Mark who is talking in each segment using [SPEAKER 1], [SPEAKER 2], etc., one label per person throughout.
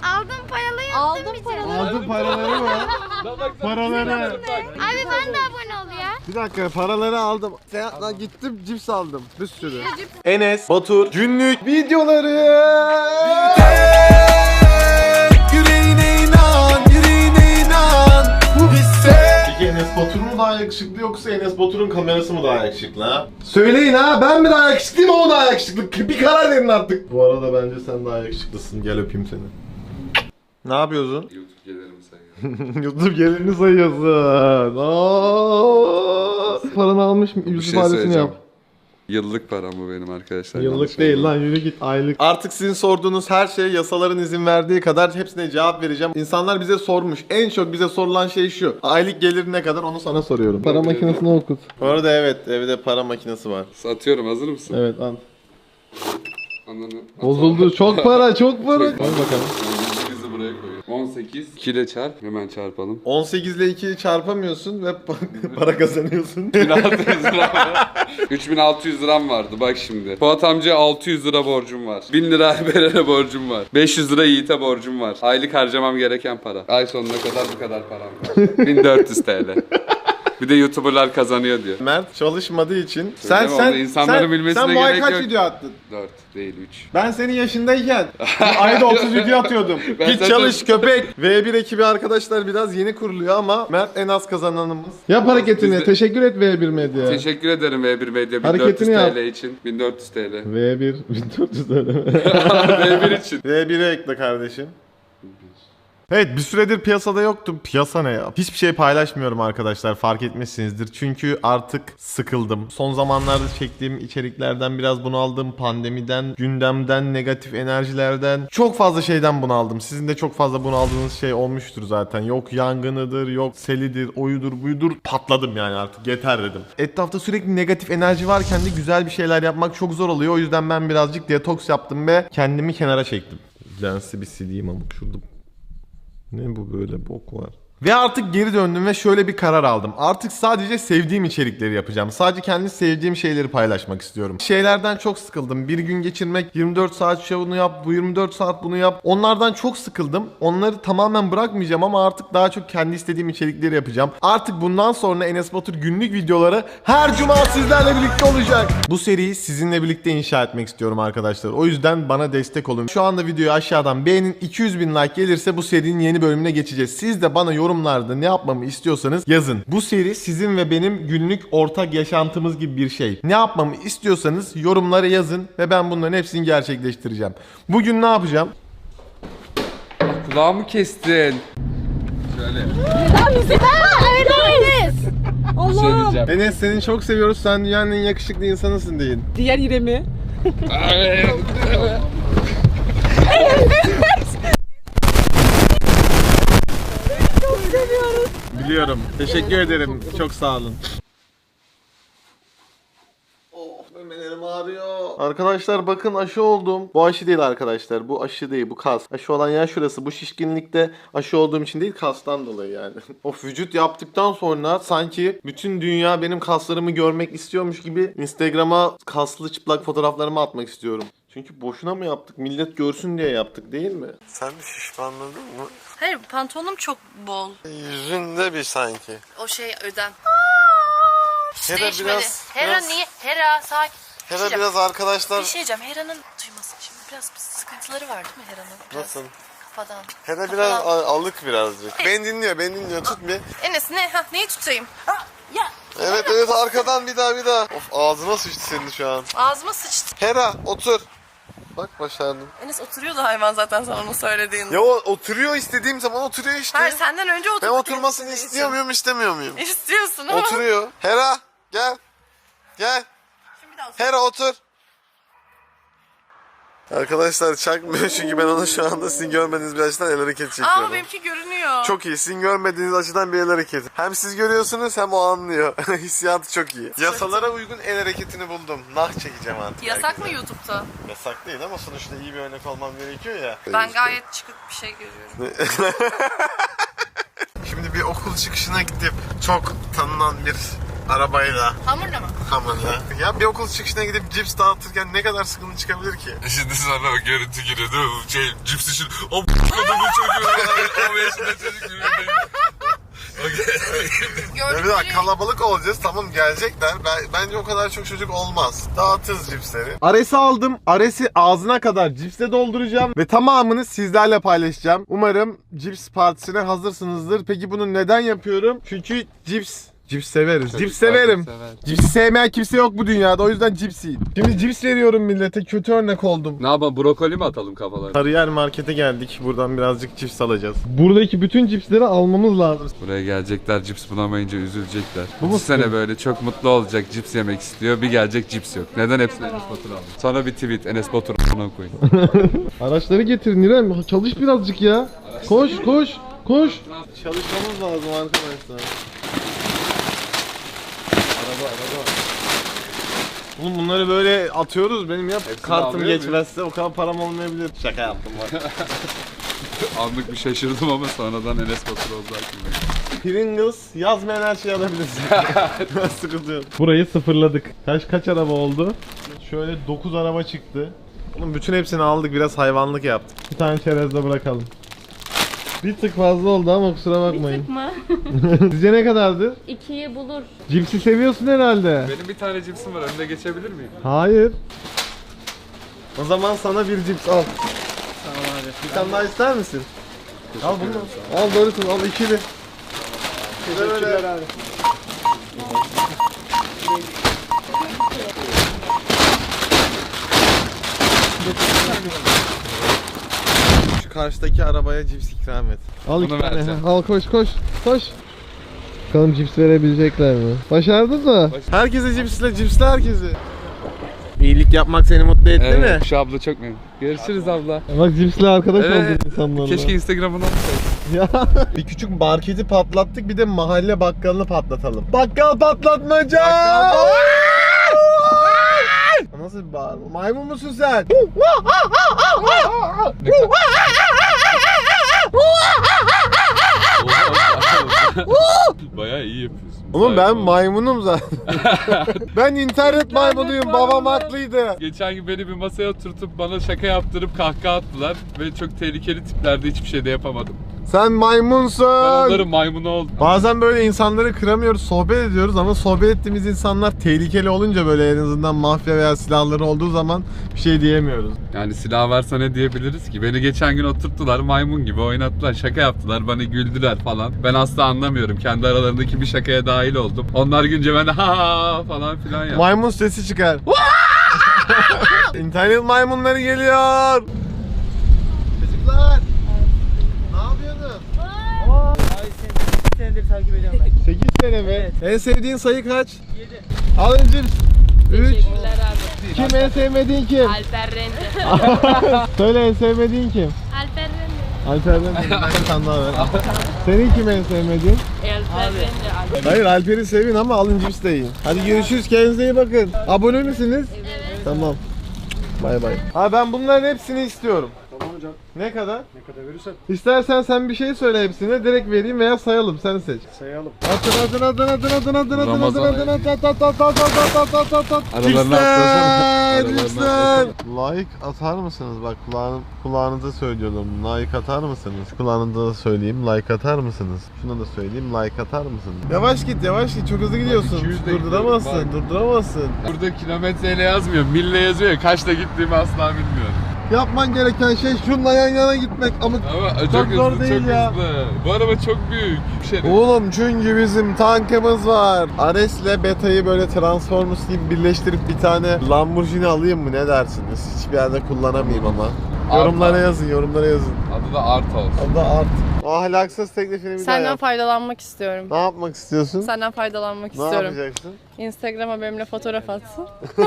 [SPEAKER 1] Aldım paralı yaptım bir tane.
[SPEAKER 2] Aldın paraları mı? Paraları.
[SPEAKER 1] Abi ben de abone ol ya.
[SPEAKER 2] Bir dakika, paraları aldım. Seyahatle gittim, cips aldım. Bir sürü. Enes Batur günlük videoları. Yüreğine inan, yüreğine inan. Peki Enes Batur mu daha yakışıklı yoksa Enes Batur'un kamerası mı daha yakışıklı ha? Söyleyin ha, ben mi daha yakışıklıyım, o mu daha yakışıklı? Bir karar verin artık. Bu arada bence sen daha yakışıklısın. Gel öpeyim seni. Ne yapıyorsun?
[SPEAKER 3] YouTube gelirimi sayıyorum.
[SPEAKER 2] YouTube gelirini sayıyorsun. Paranı almış mı? Yüz ifadesini yap.
[SPEAKER 3] Yıllık param bu benim arkadaşlar.
[SPEAKER 2] Yıllık değil lan, yürü git, aylık. Artık sizin sorduğunuz her şey yasaların izin verdiği kadar hepsine cevap vereceğim. İnsanlar bize sormuş. En çok bize sorulan şey şu: aylık gelir ne kadar, onu sana soruyorum. Para makinesini okut. Bu arada evet, evde para makinesi var.
[SPEAKER 3] Satıyorum, hazır mısın?
[SPEAKER 2] Evet, al.
[SPEAKER 3] Ananı.
[SPEAKER 2] Bozuldu. Çok para, çok para. Koy bakalım.
[SPEAKER 3] Bizi buraya koyuyorum. 18 2 ile çarp. Hemen çarpalım.
[SPEAKER 2] 18 ile 2'yi çarpamıyorsun ve para kazanıyorsun.
[SPEAKER 3] 1600 lira var. 3600 liram vardı bak şimdi. Fuat amcaya 600 lira borcum var. 1000 lira Berer'e borcum var. 500 lira Yiğit'e borcum var. Aylık harcamam gereken para. Ay sonuna kadar bu kadar param var. 1400 TL. Bir de YouTuber'lar kazanıyor diyor.
[SPEAKER 2] Mert çalışmadığı için
[SPEAKER 3] Söyleme, onu insanların bilmesine
[SPEAKER 2] sen bu ay
[SPEAKER 3] gerek
[SPEAKER 2] kaç
[SPEAKER 3] yok.
[SPEAKER 2] video attın?
[SPEAKER 3] 4 değil 3.
[SPEAKER 2] Ben senin yaşındayken ayda 30 video atıyordum.
[SPEAKER 3] Ben
[SPEAKER 2] Git
[SPEAKER 3] zaten-
[SPEAKER 2] çalış köpek. V1 ekibi arkadaşlar biraz yeni kuruluyor ama Mert en az kazananımız. Yap hareketini.
[SPEAKER 3] Biz de-
[SPEAKER 2] Teşekkür et V1 Medya.
[SPEAKER 3] Teşekkür ederim V1 Medya 1400
[SPEAKER 2] Hareketini yap.
[SPEAKER 3] TL için. 1400 TL.
[SPEAKER 2] V1 1400 öyle mi?
[SPEAKER 3] V1 için.
[SPEAKER 2] V1'e ekle kardeşim. Evet, bir süredir piyasada yoktum. Piyasa ne ya? Hiçbir şey paylaşmıyorum arkadaşlar, fark etmişsinizdir. Çünkü artık sıkıldım. Son zamanlarda çektiğim içeriklerden biraz bunaldım. Pandemiden, gündemden, negatif enerjilerden, çok fazla şeyden bunaldım. Sizin de çok fazla bunaldığınız şey olmuştur zaten. Yok yangınıdır, yok selidir, oyudur, buyudur. Patladım yani, artık yeter dedim. Etrafta sürekli negatif enerji varken de güzel bir şeyler yapmak çok zor oluyor. O yüzden ben birazcık detoks yaptım ve kendimi kenara çektim. Lensi bir sileyim ama şurada. Ne bu, böyle bok var. Ve artık geri döndüm ve şöyle bir karar aldım. Artık sadece sevdiğim içerikleri yapacağım. Sadece kendi sevdiğim şeyleri paylaşmak istiyorum. Şeylerden çok sıkıldım. Bir gün geçirmek, 24 saat şunu yap, bu 24 saat bunu yap. Onlardan çok sıkıldım. Onları tamamen bırakmayacağım ama artık daha çok kendi istediğim içerikleri yapacağım. Artık bundan sonra Enes Batur günlük videoları her cuma sizlerle birlikte olacak. Bu seriyi sizinle birlikte inşa etmek istiyorum arkadaşlar. O yüzden bana destek olun. Şu anda videoyu aşağıdan beğenin. 200.000 like gelirse bu serinin yeni bölümüne geçeceğiz. Siz de bana yorumlarda ne yapmamı istiyorsanız yazın. Bu seri sizin ve benim günlük ortak yaşantımız gibi bir şey. Ne yapmamı istiyorsanız yorumlara yazın ve ben bunların hepsini gerçekleştireceğim. Bugün ne yapacağım?
[SPEAKER 3] Kulağımı kestin. Şöyle. Bir şey diyeceğim.
[SPEAKER 2] Enes, seni çok seviyoruz. Sen dünyanın en yakışıklı insanısın deyin.
[SPEAKER 4] Diğer İrem'i.
[SPEAKER 2] Biliyorum. Teşekkür ederim. Çok sağ olun. Oh, memelerim ağrıyor. Arkadaşlar bakın, aşı oldum. Bu aşı değil arkadaşlar. Bu aşı değil, bu kas. Aşı olan yer şurası. Bu şişkinlikte aşı olduğum için değil, kastan dolayı yani. Of, vücut yaptıktan sonra sanki bütün dünya benim kaslarımı görmek istiyormuş gibi Instagram'a kaslı çıplak fotoğraflarımı atmak istiyorum. Çünkü boşuna mı yaptık? Millet görsün diye yaptık değil mi? Sen de şişmanladın mı?
[SPEAKER 5] Hayır, pantolonum çok bol.
[SPEAKER 2] Yüzünde bir sanki.
[SPEAKER 5] O şey öden.
[SPEAKER 2] Hera
[SPEAKER 5] Değişmedi.
[SPEAKER 2] biraz...
[SPEAKER 5] Hera niye? Hera sakin.
[SPEAKER 2] Hera
[SPEAKER 5] Bir şey
[SPEAKER 2] biraz arkadaşlar...
[SPEAKER 5] Bir şey diyeceğim. Hera'nın duymasın şimdi. Biraz sıkıntıları var değil mi Hera'nın? Biraz
[SPEAKER 2] Nasıl?
[SPEAKER 5] Kafadan.
[SPEAKER 2] Hera biraz alık birazcık. Beni dinliyor. Tut bir.
[SPEAKER 5] Enes ne? Neyi tutayım?
[SPEAKER 2] Evet arkadan bir daha. Of, ağzına sıçtı senin şu an.
[SPEAKER 5] Ağzıma sıçtı.
[SPEAKER 2] Hera otur. Bak, başardım.
[SPEAKER 5] Enes oturuyordu hayvan zaten sen onu söylediğinde.
[SPEAKER 2] Ya o oturuyor, istediğim zaman oturuyor işte.
[SPEAKER 5] Hayır, senden önce
[SPEAKER 2] Ben
[SPEAKER 5] oturdu.
[SPEAKER 2] oturmasını istiyor muyum, istemiyor muyum?
[SPEAKER 5] İstiyorsun ama.
[SPEAKER 2] Oturuyor. Hera gel.
[SPEAKER 5] Şimdi bir daha
[SPEAKER 2] Hera otur. Arkadaşlar çakmıyor çünkü ben onu şu anda sizin görmediğiniz bir açıdan el hareketi çekiyorum.
[SPEAKER 5] Aa, benimki görünüyor.
[SPEAKER 2] Çok iyi. Sizin görmediğiniz açıdan bir el hareketi. Hem siz görüyorsunuz hem o anlıyor. Hissiyatı çok iyi. Yasalara uygun el hareketini buldum. Nah çekeceğim artık.
[SPEAKER 5] Yasak mı YouTube'da?
[SPEAKER 2] Yasak değil ama sonuçta iyi bir örnek olmam gerekiyor ya.
[SPEAKER 5] Ben gayet çıkık bir şey görüyorum.
[SPEAKER 2] Şimdi bir okul çıkışına gidip çok tanınan bir Arabayla.
[SPEAKER 5] Hamurla mı?
[SPEAKER 2] Hamurla. Ya bir okul çıkışına gidip cips dağıtırken ne kadar sıkıntı çıkabilir ki?
[SPEAKER 3] Şimdi sana o görüntü giriyor değil mi? Cips için o kadının çocuğu 10 yaşında çocuk gibi.
[SPEAKER 2] Bir daha kalabalık olacağız, tamam gelecekler. Bence o kadar çok çocuk olmaz. Dağıtırız cipsleri. Ares'i aldım. Ares'i ağzına kadar cipsle dolduracağım ve tamamını sizlerle paylaşacağım. Umarım cips partisine hazırsınızdır. Peki bunu neden yapıyorum? Çünkü cips severiz. Cips severim. Cipsi sevmeyen kimse yok bu dünyada. O yüzden cips yiyin. Şimdi cips veriyorum millete. Kötü örnek oldum.
[SPEAKER 3] Ne yapalım, brokoli mi atalım kafalarına?
[SPEAKER 2] Sarıyer markete geldik. Buradan birazcık cips alacağız. Buradaki bütün cipsleri almamız lazım.
[SPEAKER 3] Buraya gelecekler, cips bulamayınca üzülecekler.
[SPEAKER 2] Bu mu
[SPEAKER 3] Bu sene
[SPEAKER 2] sıkıntı?
[SPEAKER 3] böyle çok mutlu olacak, cips yemek istiyor. Bir gelecek cips yok. Neden hepsini Enes Batur aldı? Sonra bir tweet, Enes Batur ona koyun.
[SPEAKER 2] Araçları getirin İrem. Çalış birazcık ya. Koş. Çalışmamız lazım arkadaşlar. Araba. Oğlum bunları böyle atıyoruz. Benim kartım
[SPEAKER 3] alıyor
[SPEAKER 2] geçmezse o kadar param olmayabilir. Şaka yaptım bak.
[SPEAKER 3] Anlık bir şaşırdım ama sonradan Enes Batur oldu aklımda.
[SPEAKER 2] Pringles yazmayan her şeyi alabilirsin. Sıkıntı yok. Burayı sıfırladık. Kaç araba oldu? Şöyle 9 araba çıktı. Oğlum bütün hepsini aldık, biraz hayvanlık yaptık. Bir tane çerezde bırakalım. Bir tık fazla oldu ama kusura bakmayın.
[SPEAKER 1] Mı?
[SPEAKER 2] Sizce ne kadardı?
[SPEAKER 1] 2'yi bulur.
[SPEAKER 2] Cipsi seviyorsun herhalde.
[SPEAKER 3] Benim bir tane cipsim var, önüne geçebilir miyim?
[SPEAKER 2] Hayır. O zaman sana bir cips al. Tamam abi. Bir tane daha ister misin? Al bunu. Al Doritos, al ikili. Teşekkürler abi. Şu karşıdaki arabaya cips ikram et. Al iki
[SPEAKER 3] Bunu
[SPEAKER 2] tane.
[SPEAKER 3] vereceğim.
[SPEAKER 2] Al koş. Bakalım cips verebilecekler mi? Başardın mı? Herkese cipsle herkese. İyilik yapmak seni mutlu etti mi?
[SPEAKER 3] Şu abla çok memnun. Görüşürüz abla.
[SPEAKER 2] Bak cipsle arkadaş
[SPEAKER 3] Evet.
[SPEAKER 2] oldun insanlarla.
[SPEAKER 3] Keşke Instagram'ını alsaydım.
[SPEAKER 2] Ya bir küçük marketi patlattık, bir de mahalle bakkalını patlatalım. Bakkal patlatmaca! Nasıl bir bağırma? Maymun musun sen?
[SPEAKER 3] Bayağı iyi yapıyorsun.
[SPEAKER 2] Oğlum ben maymunum zaten. Ben internet maymunuyum, babam haklıydı.
[SPEAKER 3] Geçen gün beni bir masaya oturtup bana şaka yaptırıp kahkaha attılar ve çok tehlikeli tiplerde hiçbir şey de yapamadım.
[SPEAKER 2] Sen maymunsun.
[SPEAKER 3] Ben onların maymunu oldum.
[SPEAKER 2] Bazen böyle insanları kıramıyoruz, sohbet ediyoruz ama sohbet ettiğimiz insanlar tehlikeli olunca, böyle en azından mafya veya silahları olduğu zaman bir şey diyemiyoruz.
[SPEAKER 3] Yani silah varsa ne diyebiliriz ki? Beni geçen gün oturttular, maymun gibi oynattılar, şaka yaptılar, bana güldüler falan. Ben asla anlamıyorum. Kendi aralarındaki bir şakaya dahil oldum. Onlar günce ben de ha falan filan yaptım.
[SPEAKER 2] Maymun sesi çıkar. İnternet maymunları geliyor. Çocuklar. Ne yapıyorsunuz?
[SPEAKER 4] Senedir takip ediyorum ben.
[SPEAKER 2] 8 sene mi?
[SPEAKER 4] Evet.
[SPEAKER 2] En sevdiğin sayı kaç? 7. Alın cips. 3.
[SPEAKER 1] Teşekkürler abi.
[SPEAKER 2] Kim en sevmediğin kim?
[SPEAKER 1] Alper Rende.
[SPEAKER 2] Söyle en sevmediğin kim?
[SPEAKER 1] Alper Rende.
[SPEAKER 2] Alper'den bir tane daha ver. Senin kim en sevmediğin?
[SPEAKER 1] Alper Rende.
[SPEAKER 2] Hayır, Alper'i sevin ama alın cips de yiyin. Hadi görüşürüz, kendinize iyi bakın. Abone misiniz?
[SPEAKER 1] Evet.
[SPEAKER 2] Tamam. Bay bay. Ha ben bunların hepsini istiyorum.
[SPEAKER 4] Tamam hocam.
[SPEAKER 2] Ne kadar?
[SPEAKER 4] Ne kadar verirsen
[SPEAKER 2] İstersen sen bir şey söyle hepsine, direkt vereyim veya sayalım, sen seç.
[SPEAKER 4] sayalım.
[SPEAKER 2] Atın.
[SPEAKER 3] Ramazan ayı. Aralarına
[SPEAKER 2] Cipsler,
[SPEAKER 3] atlasana.
[SPEAKER 2] cipsler. Like atar mısınız? Bak kulağınıza söylüyorum. Like atar mısınız? Kulağınıza da söyleyeyim. Like atar mısınız? Şuna da söyleyeyim. Like atar mısınız? Yavaş git. Çok hızlı gidiyorsun.
[SPEAKER 3] 200 de
[SPEAKER 2] Durduramazsın.
[SPEAKER 3] gidiyorum,
[SPEAKER 2] Durduramazsın.
[SPEAKER 3] Burada kilometreyle yazmıyor, mille yazıyor ya. Kaçta gittiğimi asla bilmiyorum.
[SPEAKER 2] Yapman gereken şey şunla yan yana gitmek. Ama
[SPEAKER 3] Ama
[SPEAKER 2] çok zor
[SPEAKER 3] hızlı,
[SPEAKER 2] değil
[SPEAKER 3] çok
[SPEAKER 2] ya.
[SPEAKER 3] hızlı. Bu araba çok büyük. Bir şey
[SPEAKER 2] Oğlum çünkü bizim tankımız var. Ares'le Beta'yı böyle Transformers gibi birleştirip bir tane Lamborghini alayım mı, ne dersiniz? Hiçbir yerde kullanamayayım ama. Yorumlara yazın.
[SPEAKER 3] Adı da Art olsun.
[SPEAKER 2] O da art. O ahlaksız teklifini bir daha
[SPEAKER 6] Senden
[SPEAKER 2] yap.
[SPEAKER 6] faydalanmak istiyorum.
[SPEAKER 2] Ne yapmak istiyorsun?
[SPEAKER 6] Senden faydalanmak
[SPEAKER 2] Ne
[SPEAKER 6] istiyorum.
[SPEAKER 2] yapacaksın?
[SPEAKER 6] Instagram'a benimle fotoğraf atsın.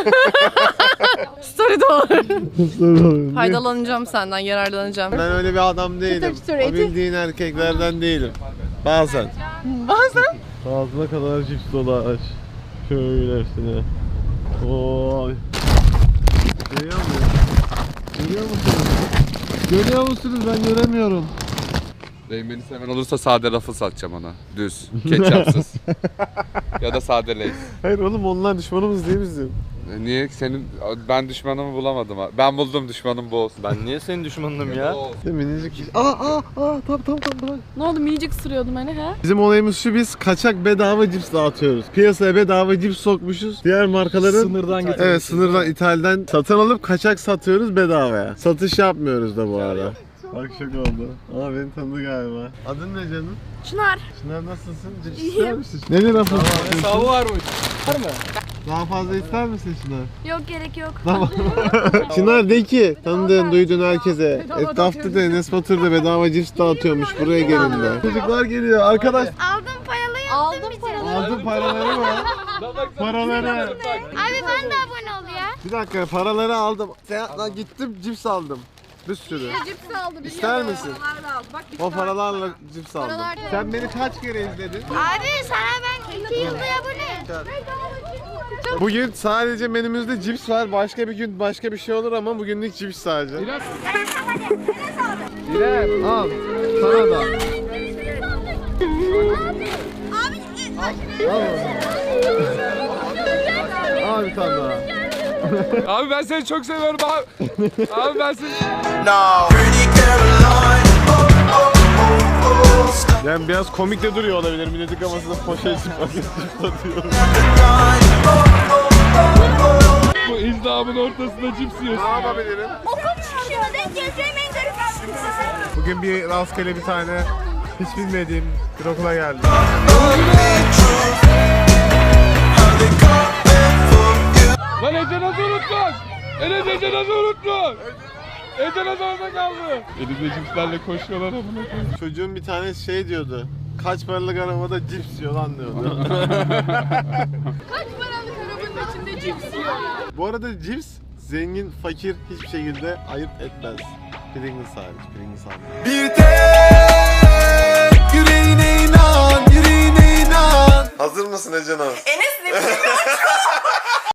[SPEAKER 6] Story de olur. Faydalanacağım senden, yararlanacağım.
[SPEAKER 2] Ben öyle bir adam değilim.
[SPEAKER 6] çıtır
[SPEAKER 2] O
[SPEAKER 6] eti.
[SPEAKER 2] bildiğin erkeklerden değilim. Bazen.
[SPEAKER 6] Bazen.
[SPEAKER 2] Ağzına kadar cips dolaş. Şöyle üstüne. Oy. Görüyor musunuz? Görüyor musunuz? Ben göremiyorum.
[SPEAKER 3] Beni seven olursa sade rafı satacağım ona. Düz. Ketçapsız. Ya da sade Lay's.
[SPEAKER 2] Hayır oğlum onlar düşmanımız değil bizim.
[SPEAKER 3] Niye? Ben düşmanımı bulamadım. Ben buldum, düşmanım bu olsun.
[SPEAKER 4] Ben niye senin düşmanınım ya?
[SPEAKER 2] Minicik. Tamam.
[SPEAKER 6] Ne oldu minicik ısırıyordum hani he?
[SPEAKER 2] Bizim olayımız şu, biz kaçak bedava cips dağıtıyoruz. Piyasaya bedava cips sokmuşuz. Diğer markaların
[SPEAKER 4] Sınırdan getirmişiz.
[SPEAKER 2] Evet, sınırdan, ithalden satın alıp kaçak satıyoruz bedavaya. Satış yapmıyoruz da bu arada. Bak şaka oldu. Aa, beni tanıdı galiba. Adın ne canım?
[SPEAKER 6] Çınar.
[SPEAKER 2] Çınar, nasılsın? Cips ister misin? Ne lira fazla istiyorsun?
[SPEAKER 4] Hesabı varmış. Var mı?
[SPEAKER 2] Daha fazla ister misin Çınar?
[SPEAKER 6] Yok gerek yok.
[SPEAKER 2] Tamam. Çınar de ki tanıdığın, duyduğun herkese. Etrafta da Enes Batur da bedava cips dağıtıyormuş, buraya gelin de. Çocuklar geliyor arkadaş.
[SPEAKER 7] Aldım paraları
[SPEAKER 6] Aldım paraları.
[SPEAKER 2] Aldın paraları mı? Paraları.
[SPEAKER 7] Abi ben de abone ol ya.
[SPEAKER 2] Bir dakika, paraları aldım. Lan gittim cips aldım. Bir sürü.
[SPEAKER 6] Cips aldı.
[SPEAKER 2] İster misin?
[SPEAKER 6] Paralarla aldı. Bak
[SPEAKER 2] O paralarla cips aldım.
[SPEAKER 6] Paralar-
[SPEAKER 2] Sen beni kaç kere izledin?
[SPEAKER 7] Abi sana ben 2 yılda abone.
[SPEAKER 2] Bugün sadece menümüzde cips var. Başka bir gün başka bir şey olur ama bugünlük cips sadece. İrem al. Sana da. Al bir tane daha.
[SPEAKER 3] Abi ben seni çok seviyorum abi. Abi ben seni...
[SPEAKER 2] Yani biraz komik de duruyor olabilir. Milletin kafasında poşet cips atıyor.
[SPEAKER 3] Bu izdamın ortasında cips yiyorsun.
[SPEAKER 2] Ne yapabilirim?
[SPEAKER 7] Okul çıkışında denk geleceğim en garip aslında.
[SPEAKER 2] Bugün bir rastgele bir tane hiç bilmediğim bir okula geldim.
[SPEAKER 3] Lan Ece nasıl unuttun? Ece nasıl unuttun? Ece nasıl orada kaldı? Elinde cipslerle koşuyorlar amına koyayım.
[SPEAKER 2] Çocuğun bir tanesi şey diyordu. Kaç paralık arabada cips yiyor lan diyordu.
[SPEAKER 6] Kaç paralık arabanın içinde cips yiyor.
[SPEAKER 2] Bu arada cips zengin, fakir hiçbir şekilde ayırt etmez. Pringles hariç, Pringles hariç. Bir tek yüreğine inan, yüreğine inan. Hazır mısın Ece Naz?
[SPEAKER 6] Enes ne